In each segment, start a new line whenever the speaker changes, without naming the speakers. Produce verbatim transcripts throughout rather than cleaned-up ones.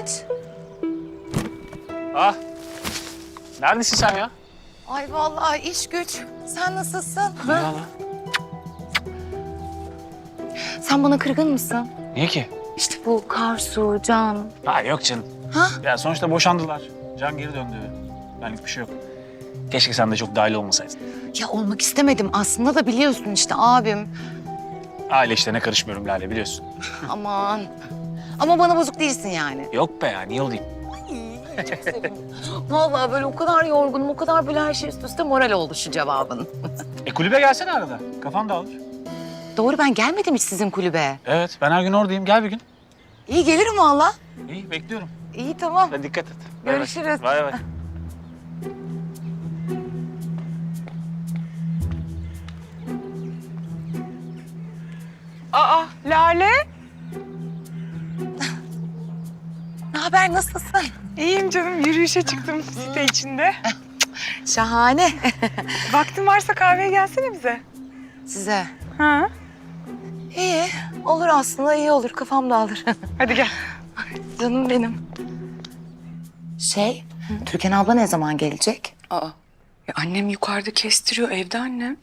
Kıvanç.
Ah. Neredesin sen ya?
Ay vallahi iş güç. Sen nasılsın?
Ne ya lan?
Sen bana kırgın mısın?
Niye ki?
İşte bu Karsu, Can.
Ha yok canım.
Ha?
Ya sonuçta boşandılar. Can geri döndü. Benlik bir şey yok. Keşke sen de çok dahil olmasaydın.
Ya olmak istemedim aslında da biliyorsun işte abim.
Aile işlerine karışmıyorum Lale, biliyorsun.
Aman. Ama bana bozuk değilsin yani.
Yok be ya, niye olayım?
Vallahi böyle o kadar yorgunum, o kadar böyle her şey üst üste moral oldu şu cevabın.
E kulübe gelsene arada. Kafan dağılır.
Doğru, ben gelmedim hiç sizin kulübe.
Evet, ben her gün oradayım. Gel bir gün.
İyi gelirim valla.
İyi, bekliyorum.
İyi tamam.
Hadi dikkat et. Bay bay.
Görüşürüz.
Bay bay.
Aa, Lale.
Ne haber, nasılsın?
İyiyim canım. Yürüyüşe çıktım site içinde.
Şahane.
Vaktin varsa kahveye gelsene bize.
Size.
Ha?
İyi, olur aslında iyi olur. Kafam dağılır.
Hadi gel.
Canım benim. Şey, Türkan abla ne zaman gelecek?
Aa, ya annem yukarıda kestiriyor. Evde annem.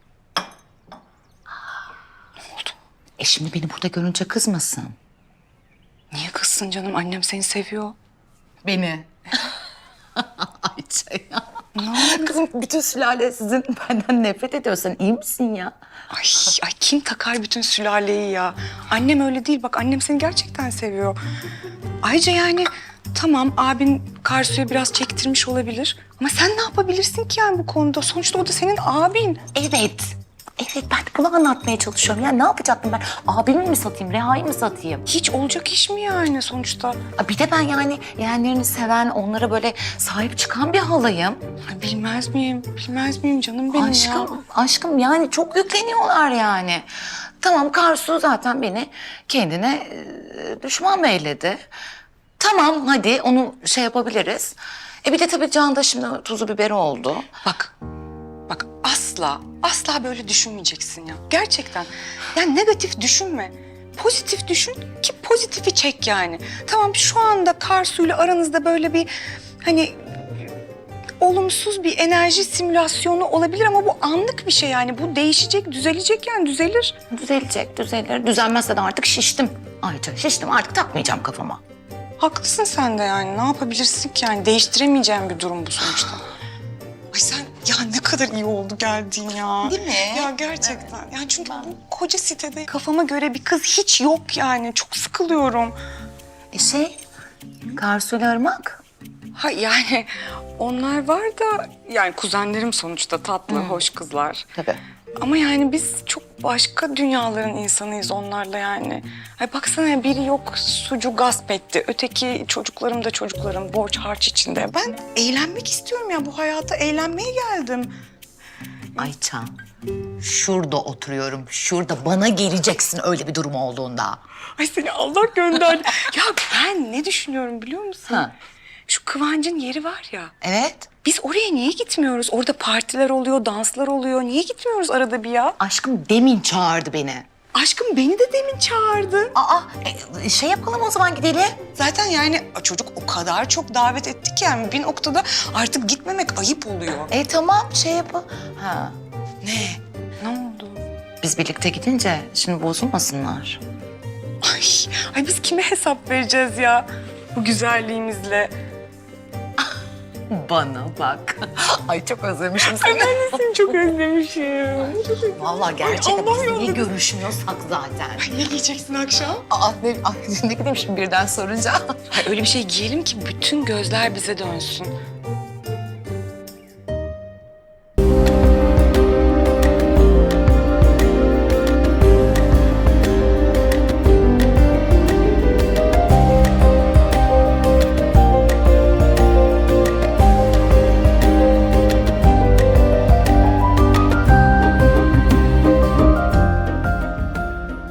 E şimdi beni burada görünce kızmasın.
Niye kızsın canım? Annem seni seviyor.
Beni. Ayça ya. Kızım bütün sülale sizin benden nefret ediyor. Sen iyi misin ya?
Ay, ay kim takar bütün sülaleyi ya? Annem öyle değil. Bak annem seni gerçekten seviyor. Ayrıca yani tamam abin Karsu'ya biraz çektirmiş olabilir. Ama sen ne yapabilirsin ki yani bu konuda? Sonuçta o da senin abin.
Evet. Evet, ben de bunu anlatmaya çalışıyorum. Ya ne yapacaktım ben? Abimi mi satayım, Reha'yı mı satayım?
Hiç olacak iş mi yani sonuçta?
Bir de ben yani yeğenlerini seven, onlara böyle sahip çıkan bir halayım.
Ay, bilmez miyim? Bilmez miyim canım benim ya?
Aşkım, aşkım yani çok yükleniyorlar yani. Tamam, Karsu zaten beni kendine e, düşman beyledi. Tamam, hadi onu şey yapabiliriz. E bir de tabii Can da şimdi tuzu biberi oldu.
Bak, bak asla, asla böyle düşünmeyeceksin ya. Gerçekten. Yani negatif düşünme. Pozitif düşün ki pozitifi çek yani. Tamam şu anda Karsu'yla aranızda böyle bir hani olumsuz bir enerji simülasyonu olabilir ama bu anlık bir şey yani. Bu değişecek, düzelecek yani düzelir.
Düzelecek, düzelir. Düzelmezse de artık şiştim. Ayça şiştim, artık takmayacağım kafama.
Haklısın sen de yani. Ne yapabilirsin ki yani? Değiştiremeyeceğim bir durum bu sonuçta. Ay sen ya ne kadar iyi oldu geldiğin ya.
Değil mi?
Ya gerçekten. Yani çünkü bu koca sitede kafama göre bir kız hiç yok yani. Çok sıkılıyorum.
E şey, Karsu'yla Irmak.
Ha yani onlar var da yani kuzenlerim sonuçta tatlı, hoş kızlar.
Tabii.
Ama yani biz çok başka dünyaların insanıyız onlarla yani. Ay baksana biri yok sucu gasp etti. Öteki çocuklarım da çocuklarım borç harç içinde. Ben eğlenmek istiyorum ya bu hayata eğlenmeye geldim.
Ayça, şurada oturuyorum. Şurada bana geleceksin öyle bir durum olduğunda.
Ay seni Allah gönderdi. Ya ben ne düşünüyorum biliyor musun?
Ha.
Şu Kıvancın yeri var ya.
Evet.
Biz oraya niye gitmiyoruz? Orada partiler oluyor, danslar oluyor. Niye gitmiyoruz arada bir ya?
Aşkım demin çağırdı beni.
Aşkım beni de demin çağırdı.
Aa, e, şey yapalım o zaman gidelim.
Zaten yani çocuk o kadar çok davet etti ki yani bir noktada artık gitmemek ayıp oluyor.
E tamam şey yapalım. Ha.
Ne? Ne oldu?
Biz birlikte gidince şimdi bozulmasınlar.
Ay, ay biz kime hesap vereceğiz ya bu güzelliğimizle?
Bana bak. Ay çok özlemişim seni.
Ben de seni çok özlemişim.
Vallahi gerçekten
Allah
biz niye
yolladı.
görüşmüyorsak zaten.
Ay ne giyeceksin akşam?
Aa, ne, ay, ne gideyim şimdi birden sorunca.
Ay öyle bir şey giyelim ki bütün gözler bize dönsün.